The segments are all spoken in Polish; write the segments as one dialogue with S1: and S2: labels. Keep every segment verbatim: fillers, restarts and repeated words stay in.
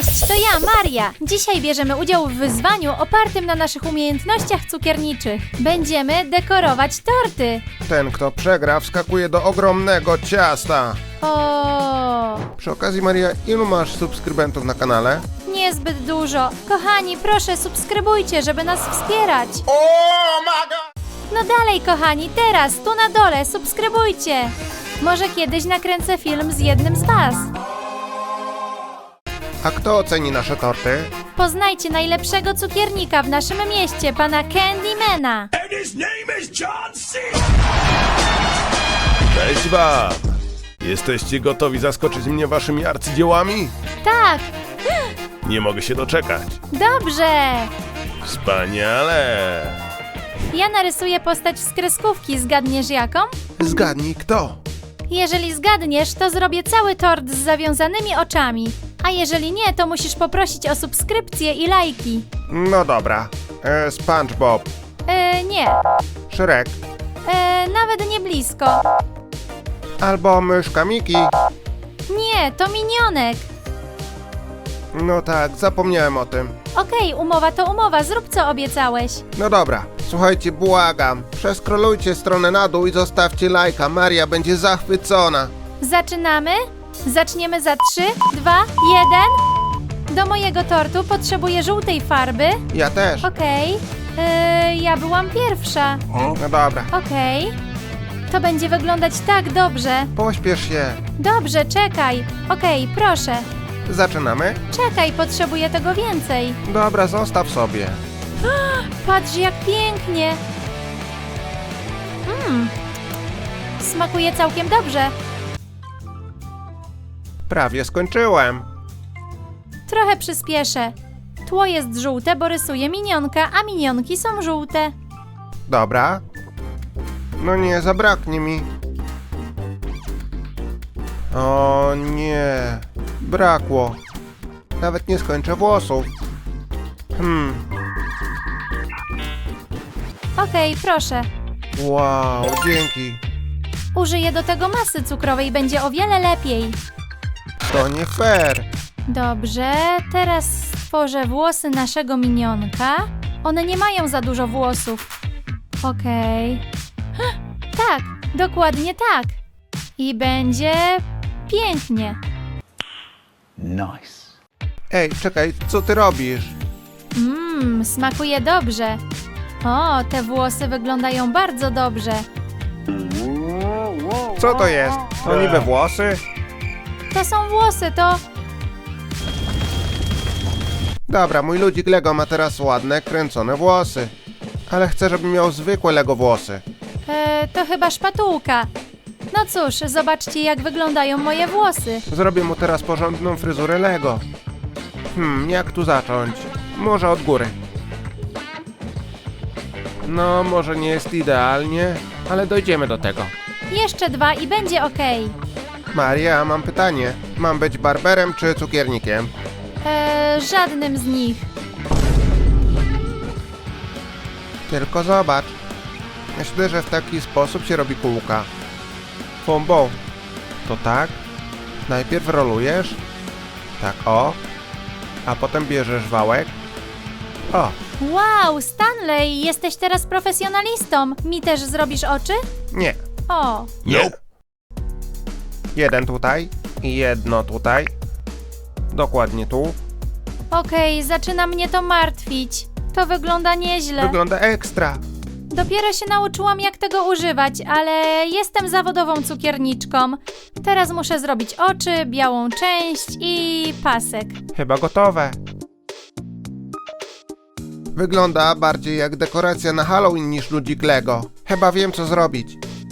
S1: Cześć, to ja, Maria. Dzisiaj bierzemy udział w wyzwaniu opartym na naszych umiejętnościach cukierniczych. Będziemy dekorować torty.
S2: Ten, kto przegra, wskakuje do ogromnego ciasta.
S1: O,
S2: Przy okazji, Maria, ilu masz subskrybentów na kanale?
S1: niezbyt dużo. Kochani, proszę subskrybujcie, żeby nas wspierać. No dalej, kochani, teraz, tu na dole, subskrybujcie. Może kiedyś nakręcę film z jednym z was.
S2: A kto oceni nasze torty?
S1: Poznajcie najlepszego cukiernika w naszym mieście, pana Candymana.
S3: And his name is John C.
S2: Cześć wam! Jesteście gotowi zaskoczyć mnie waszymi arcydziełami?
S1: Tak,
S2: Nie mogę się doczekać.
S1: dobrze.
S2: Wspaniale!
S1: Ja narysuję postać z kreskówki, zgadniesz jaką?
S2: Zgadnij kto?
S1: Jeżeli zgadniesz, to zrobię cały tort z zawiązanymi oczami. A jeżeli nie, to musisz poprosić o subskrypcję i lajki.
S2: No dobra. E, SpongeBob.
S1: E, nie,
S2: Shrek.
S1: e, nawet nie blisko.
S2: Albo myszka Miki.
S1: Nie, to minionek.
S2: No tak, zapomniałem o tym.
S1: Okej, umowa to umowa, zrób co obiecałeś.
S2: No dobra, słuchajcie, błagam. Przeskrolujcie stronę na dół i zostawcie lajka. Maria będzie zachwycona.
S1: Zaczynamy? Zaczniemy za trzy, dwa, jeden. Do mojego tortu potrzebuję żółtej farby.
S2: Ja też.
S1: Okej, e, ja byłam pierwsza.
S2: No dobra.
S1: Okej, to będzie wyglądać tak dobrze.
S2: Pośpiesz się.
S1: Dobrze, czekaj. Okej, proszę.
S2: Zaczynamy?
S1: Czekaj, potrzebuję tego więcej.
S2: Dobra, zostaw sobie.
S1: Patrz, jak pięknie. Mmm, smakuje całkiem dobrze.
S2: Prawie skończyłem.
S1: Trochę przyspieszę. Tło jest żółte, bo rysuję minionka, a minionki są żółte.
S2: Dobra. No nie, zabraknie mi. O nie. Brakło. Nawet nie skończę włosów. Hmm.
S1: Okej, proszę.
S2: Wow, dzięki.
S1: Użyję do tego masy cukrowej, będzie o wiele lepiej.
S2: To nie fair.
S1: Dobrze, teraz stworzę włosy naszego minionka. One nie mają za dużo włosów. Okej. Tak, dokładnie tak. I będzie pięknie.
S3: Nice.
S2: Ej, czekaj, co ty robisz?
S1: Mmm, smakuje dobrze. O, te włosy wyglądają bardzo dobrze.
S2: Co to jest? To niby włosy?
S1: To są włosy, to...
S2: Dobra, mój ludzik Lego ma teraz ładne, kręcone włosy. Ale chcę, żeby miał zwykłe Lego włosy.
S1: E, to chyba szpatułka. No cóż, zobaczcie, jak wyglądają moje włosy.
S2: Zrobię mu teraz porządną fryzurę Lego. Hmm, jak tu zacząć? Może od góry. No, może nie jest idealnie, ale dojdziemy do tego.
S1: Jeszcze dwa i będzie okej.
S2: Maria, mam pytanie. Mam być barberem czy cukiernikiem?
S1: E, żadnym z nich.
S2: Tylko zobacz. Myślę, że w taki sposób się robi kółka. Fumbo. To tak. Najpierw rolujesz. Tak, o. A potem bierzesz wałek. O,
S1: Wow, Stanley, jesteś teraz profesjonalistą. Mi też zrobisz oczy?
S2: nie.
S1: O,
S2: Nope. Jeden tutaj i jedno tutaj. Dokładnie tu.
S1: okej, zaczyna mnie to martwić. To wygląda nieźle.
S2: Wygląda ekstra.
S1: Dopiero się nauczyłam, jak tego używać, ale jestem zawodową cukierniczką. Teraz muszę zrobić oczy, białą część i pasek.
S2: Chyba gotowe. Wygląda bardziej jak dekoracja na Halloween niż ludzik Lego. Chyba wiem, co zrobić.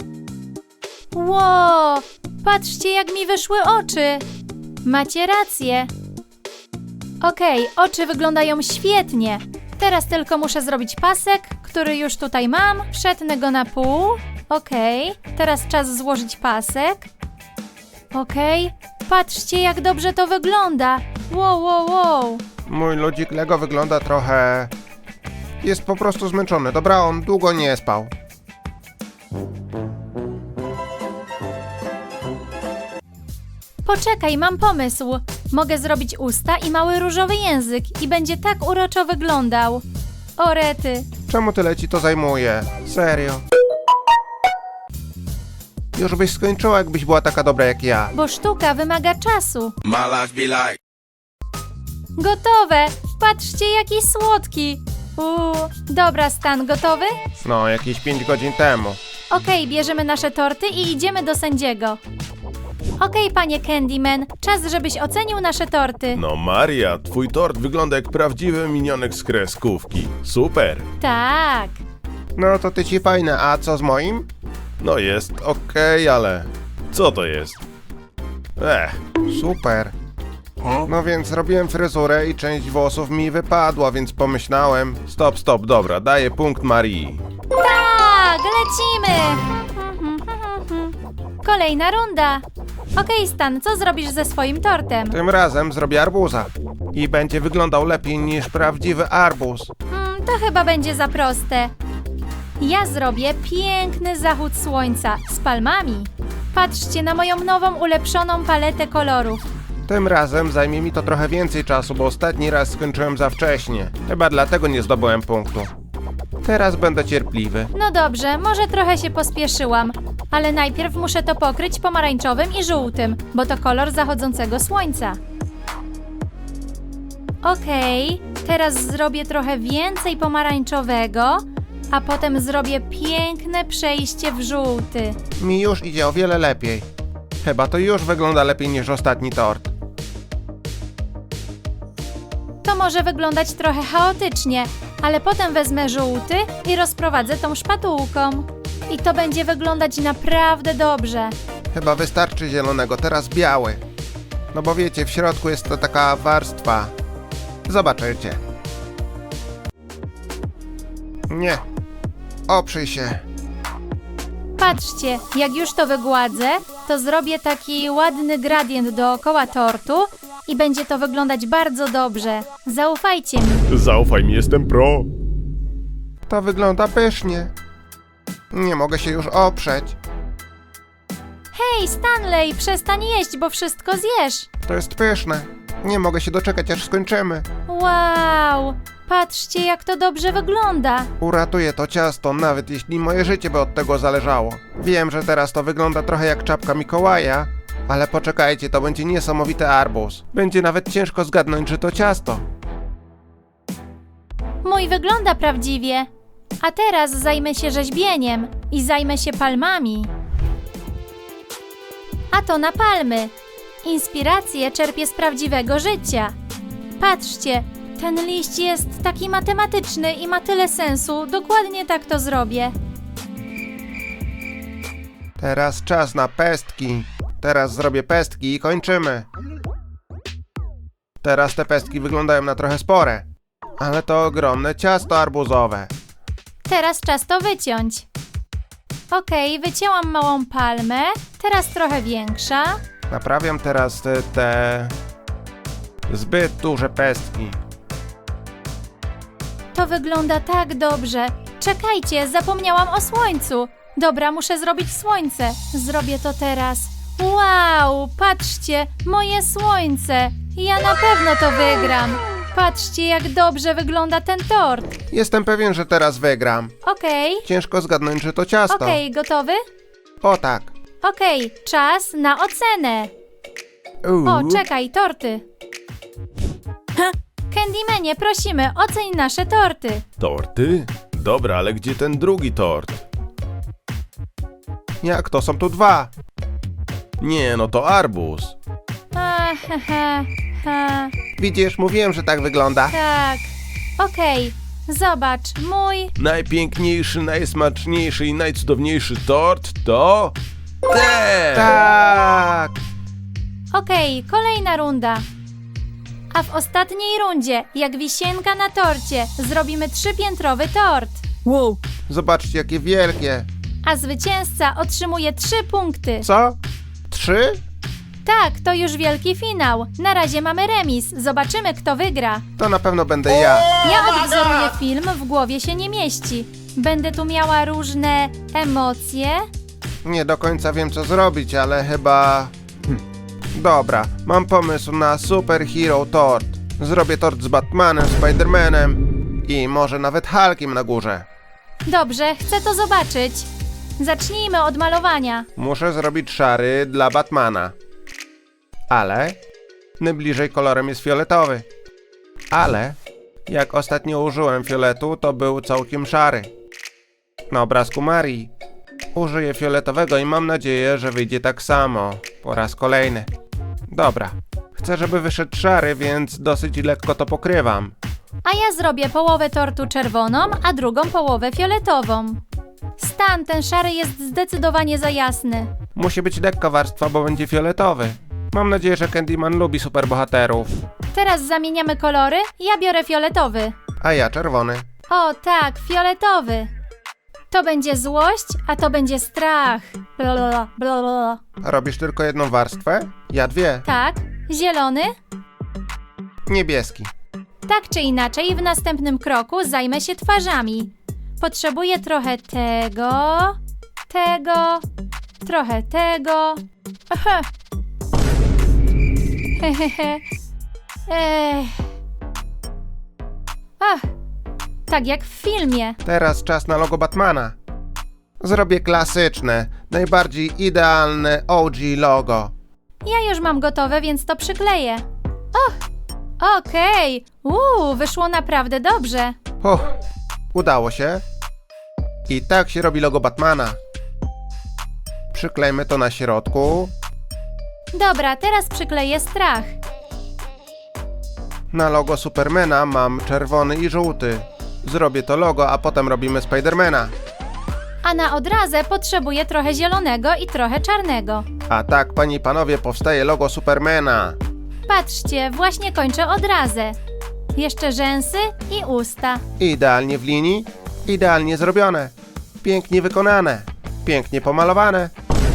S1: Ło, patrzcie, jak mi wyszły oczy. Macie rację. Okej, oczy wyglądają świetnie. Teraz tylko muszę zrobić pasek, który już tutaj mam. Przetnę go na pół. Okej, teraz czas złożyć pasek. Okej, patrzcie, jak dobrze to wygląda. Wow, wow, wow.
S2: Mój ludzik Lego wygląda trochę... Jest po prostu zmęczony. Dobra, on długo nie spał.
S1: Poczekaj, mam pomysł. Mogę zrobić usta i mały różowy język i będzie tak uroczo wyglądał. O rety.
S2: Czemu tyle ci to zajmuje? Serio. Już byś skończyła, jakbyś była taka dobra jak ja.
S1: Bo sztuka wymaga czasu.
S3: My life be like.
S1: Gotowe! Patrzcie, jaki słodki! Uuu, dobra, Stan, gotowy?
S2: No, jakieś pięć godzin temu.
S1: Okej, bierzemy nasze torty i idziemy do sędziego. Okej, panie Candyman, czas, żebyś ocenił nasze torty.
S4: No Maria, twój tort wygląda jak prawdziwy minionek z kreskówki. Super.
S1: Tak.
S2: No to ty ci fajne, a co z moim?
S4: No jest okej, ale... Co to jest? Ech,
S2: Super. No więc zrobiłem fryzurę i część włosów mi wypadła, więc pomyślałem...
S4: stop, stop, dobra, daję punkt Marii.
S1: Tak, lecimy! Kolejna runda. Okej, Stan, co zrobisz ze swoim tortem?
S2: Tym razem zrobię arbuza. I będzie wyglądał lepiej niż prawdziwy arbuz.
S1: Hmm, to chyba będzie za proste. Ja zrobię piękny zachód słońca z palmami. Patrzcie na moją nową, ulepszoną paletę kolorów.
S2: Tym razem zajmie mi to trochę więcej czasu, bo ostatni raz skończyłem za wcześnie. Chyba dlatego nie zdobyłem punktu. Teraz będę cierpliwy.
S1: No dobrze, może trochę się pospieszyłam, ale najpierw muszę to pokryć pomarańczowym i żółtym, bo to kolor zachodzącego słońca. Okej, teraz zrobię trochę więcej pomarańczowego, a potem zrobię piękne przejście w żółty.
S2: Mi już idzie o wiele lepiej. Chyba to już wygląda lepiej niż ostatni tort.
S1: To może wyglądać trochę chaotycznie, ale potem wezmę żółty i rozprowadzę tą szpatułką. I to będzie wyglądać naprawdę dobrze.
S2: Chyba wystarczy zielonego, teraz biały. No bo wiecie, w środku jest to taka warstwa. Zobaczycie. Nie. Oprzyj się.
S1: Patrzcie, jak już to wygładzę, to zrobię taki ładny gradient dookoła tortu i będzie to wyglądać bardzo dobrze. Zaufajcie mi.
S4: Zaufaj mi, jestem pro.
S2: To wygląda pysznie. Nie mogę się już oprzeć.
S1: Hej, Stanley, przestań jeść, bo wszystko zjesz.
S2: To jest pyszne. Nie mogę się doczekać, aż skończymy.
S1: Wow, patrzcie, jak to dobrze wygląda.
S2: Uratuję to ciasto, nawet jeśli moje życie by od tego zależało. Wiem, że teraz to wygląda trochę jak czapka Mikołaja, ale poczekajcie, to będzie niesamowity arbuz. Będzie nawet ciężko zgadnąć, że to ciasto.
S1: Mój wygląda prawdziwie. A teraz zajmę się rzeźbieniem i zajmę się palmami. A to na palmy. Inspirację czerpię z prawdziwego życia. Patrzcie, ten liść jest taki matematyczny i ma tyle sensu. Dokładnie tak to zrobię.
S2: Teraz czas na pestki. Teraz zrobię pestki i kończymy. Teraz te pestki wyglądają na trochę spore. Ale to ogromne ciasto arbuzowe.
S1: Teraz czas to wyciąć. Okej, wycięłam małą palmę. Teraz trochę większa.
S2: Naprawiam teraz te, te zbyt duże pestki.
S1: To wygląda tak dobrze. Czekajcie, zapomniałam o słońcu. Dobra, muszę zrobić słońce. Zrobię to teraz. Wow, patrzcie, moje słońce. Ja na pewno to wygram. Patrzcie, jak dobrze wygląda ten tort.
S2: Jestem pewien, że teraz wygram.
S1: Okej,
S2: Ciężko zgadnąć, że to ciasto.
S1: okej, gotowy?
S2: O tak.
S1: Okej, czas na ocenę.
S2: Uuu.
S1: O, czekaj, torty. Ha, Candymanie, prosimy, oceń nasze torty.
S4: Torty? Dobra, ale gdzie ten drugi tort?
S2: Jak to? Są tu dwa.
S4: Nie, no to arbuz.
S1: A, he, he, he.
S2: Widzisz, mówiłem, że tak wygląda.
S1: Tak. Okej, zobacz, mój...
S4: Najpiękniejszy, najsmaczniejszy i najcudowniejszy tort to... ten!
S2: Tak.
S1: Okej, kolejna runda. A w ostatniej rundzie, jak wisienka na torcie, zrobimy trzypiętrowy tort.
S5: Wow,
S2: Zobaczcie, jakie wielkie.
S1: A zwycięzca otrzymuje trzy punkty.
S2: Co? Trzy?
S1: Tak, to już wielki finał. Na razie mamy remis. Zobaczymy, kto wygra.
S2: To na pewno będę ja.
S1: Ja odwzoruję film, w głowie się nie mieści. Będę tu miała różne emocje.
S2: Nie do końca wiem, co zrobić, ale chyba... Hm. Dobra, mam pomysł na superhero tort. Zrobię tort z Batmanem, Spidermanem i może nawet Hulkiem na górze.
S1: Dobrze, chcę to zobaczyć. Zacznijmy od malowania.
S2: Muszę zrobić szary dla Batmana. Ale najbliżej kolorem jest fioletowy. Ale jak ostatnio użyłem fioletu, to był całkiem szary. Na obrazku Marii użyję fioletowego i mam nadzieję, że wyjdzie tak samo po raz kolejny. Dobra, chcę, żeby wyszedł szary, więc dosyć lekko to pokrywam.
S1: A ja zrobię połowę tortu czerwoną, a drugą połowę fioletową. Stan, ten szary jest zdecydowanie za jasny.
S2: Musi być lekka warstwa, bo będzie fioletowy. Mam nadzieję, że Candyman lubi superbohaterów.
S1: Teraz zamieniamy kolory. Ja biorę fioletowy.
S2: A ja czerwony.
S1: O tak, fioletowy. To będzie złość, a to będzie strach. Blablabla, blablabla.
S2: Robisz tylko jedną warstwę? Ja dwie.
S1: Tak, zielony.
S2: Niebieski.
S1: Tak czy inaczej, w następnym kroku zajmę się twarzami. Potrzebuję trochę tego, tego, trochę tego. Aha. Hehehe. Ech. Ach, tak jak w filmie.
S2: Teraz czas na logo Batmana. Zrobię klasyczne, najbardziej idealne O G logo.
S1: Ja już mam gotowe, więc to przykleję. Och, okej. Uuu, wyszło naprawdę dobrze.
S2: Uff, udało się. I tak się robi logo Batmana. Przyklejmy to na środku.
S1: Dobra, teraz przykleję strach.
S2: Na logo Supermana mam czerwony i żółty. Zrobię to logo, a potem robimy Spidermana.
S1: A na odrazę potrzebuję trochę zielonego i trochę czarnego.
S2: A tak, panie i panowie, powstaje logo Supermana.
S1: Patrzcie, właśnie kończę odrazę. Jeszcze rzęsy i usta.
S2: Idealnie w linii, idealnie zrobione. Pięknie wykonane, pięknie pomalowane.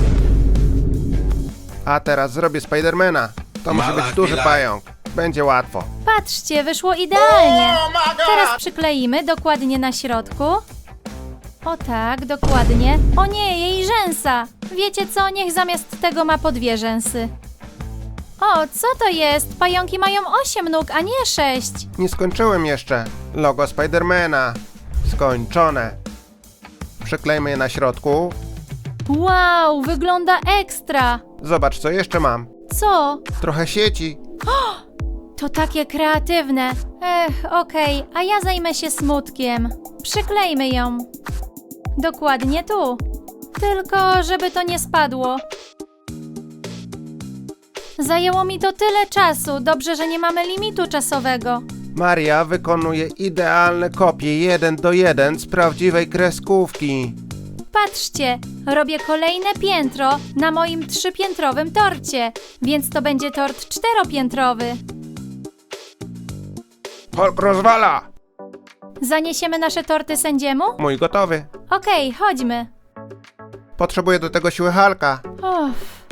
S2: A teraz zrobię Spidermana. To musi być duży pająk. Będzie łatwo.
S1: Patrzcie, wyszło idealnie. Teraz przykleimy dokładnie na środku. O tak, dokładnie. O nie, jej rzęsa. Wiecie co, niech zamiast tego ma po dwie rzęsy. O, co to jest? Pająki mają osiem nóg, a nie sześć.
S2: Nie skończyłem jeszcze. Logo Spidermana. Skończone. Przyklejmy je na środku.
S1: Wow, wygląda ekstra.
S2: Zobacz, co jeszcze mam.
S1: Co?
S2: Trochę sieci.
S1: To takie kreatywne. Ech, okej, a ja zajmę się smutkiem. Przyklejmy ją. Dokładnie tu. Tylko, żeby to nie spadło. Zajęło mi to tyle czasu. Dobrze, że nie mamy limitu czasowego.
S2: Maria wykonuje idealne kopie jeden do jeden z prawdziwej kreskówki.
S1: Patrzcie, robię kolejne piętro na moim trzypiętrowym torcie, więc to będzie tort czteropiętrowy.
S2: Hulk rozwala!
S1: Zaniesiemy nasze torty sędziemu?
S2: Mój gotowy.
S1: Okej, chodźmy.
S2: Potrzebuję do tego siły Hulka.
S1: Uff.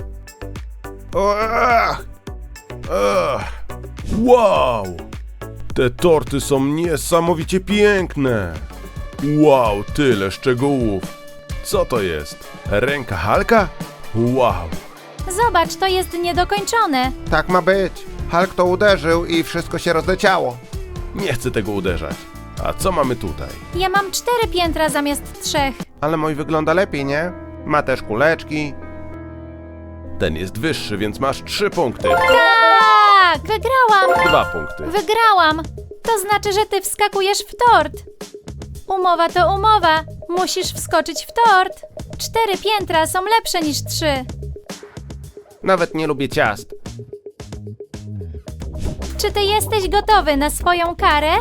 S2: Uach!
S4: Ugh. Wow! Te torty są niesamowicie piękne. Wow, tyle szczegółów. Co to jest? Ręka Hulka? Wow!
S1: Zobacz, to jest niedokończone.
S2: Tak ma być. Hulk to uderzył i wszystko się rozleciało.
S4: Nie chcę tego uderzać. A co mamy tutaj?
S1: Ja mam cztery piętra zamiast trzech.
S2: Ale mój wygląda lepiej, nie? Ma też kuleczki.
S4: Ten jest wyższy, więc masz trzy punkty.
S1: Tak! Wygrałam!
S4: Dwa punkty.
S1: Wygrałam! To znaczy, że ty wskakujesz w tort. Umowa to umowa. Musisz wskoczyć w tort. Cztery piętra są lepsze niż trzy.
S2: Nawet nie lubię ciast.
S1: Czy ty jesteś gotowy na swoją karę?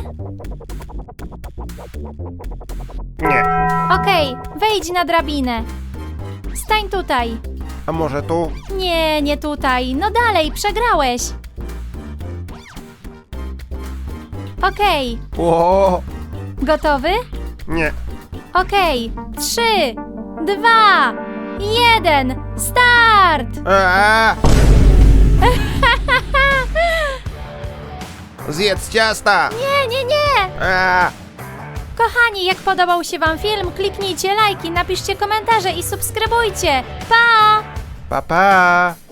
S2: Nie.
S1: Okej, wejdź na drabinę. Stań tutaj.
S2: A może tu?
S1: Nie, nie tutaj. No dalej, przegrałeś. Okej,
S2: Ło!
S1: gotowy?
S2: Nie.
S1: Okej, trzy, dwa, jeden, start!
S2: Eee! Zjedz ciasta!
S1: Nie, nie, nie!
S2: Eee!
S1: Kochani, jak podobał się wam film, kliknijcie lajki, napiszcie komentarze i subskrybujcie. Pa!
S2: Pa, pa!